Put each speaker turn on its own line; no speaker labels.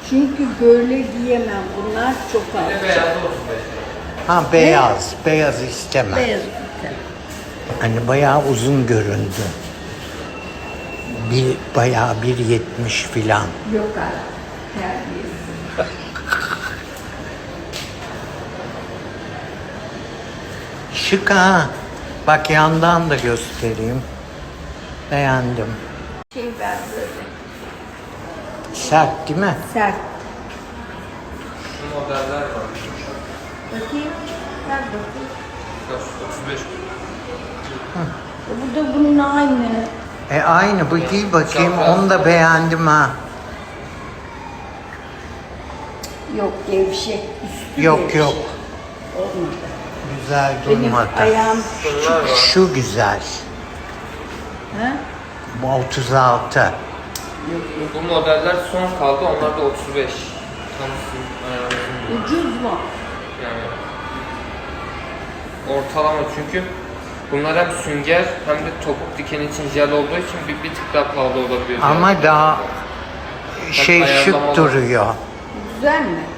Çünkü böyle giyemem. Bunlar çok alçak.
Beyaz 35.
Ha beyaz. Beyaz istemem.
Beyaz ipten.
Hani bayağı uzun göründü. Bayağı 1.70 filan.
Yok artık. Terbiyesiz.
Şık ha. Bak yandan da göstereyim. Beğendim.
Şey ver böyle.
Sert değil mi?
Sert.
Şu modeller var.
Bakayım. Ver bakayım.
35.
Bu da bunun aynı.
Aynı bu giy bakayım. Onu da beğendim ha.
Yok gevşek. Üstü
Yok
gevşek.
yok.
Olmadı.
Güzel
Benim
durmadı.
ayağım
Şunlar var.
Şu güzel.
ha?
Bu 36.
Yok yok.
Bu modeller son kaldı. Onlar da 35. Tam sizin ayarınızın.
Ucuz mu?
Yani ortalama çünkü bunlar hem sünger hem de topuk diken için jel olduğu için bir tık daha pahalı olabiliyor.
Ama daha şey
ayarlamalı.
şık duruyor.
Güzel mi?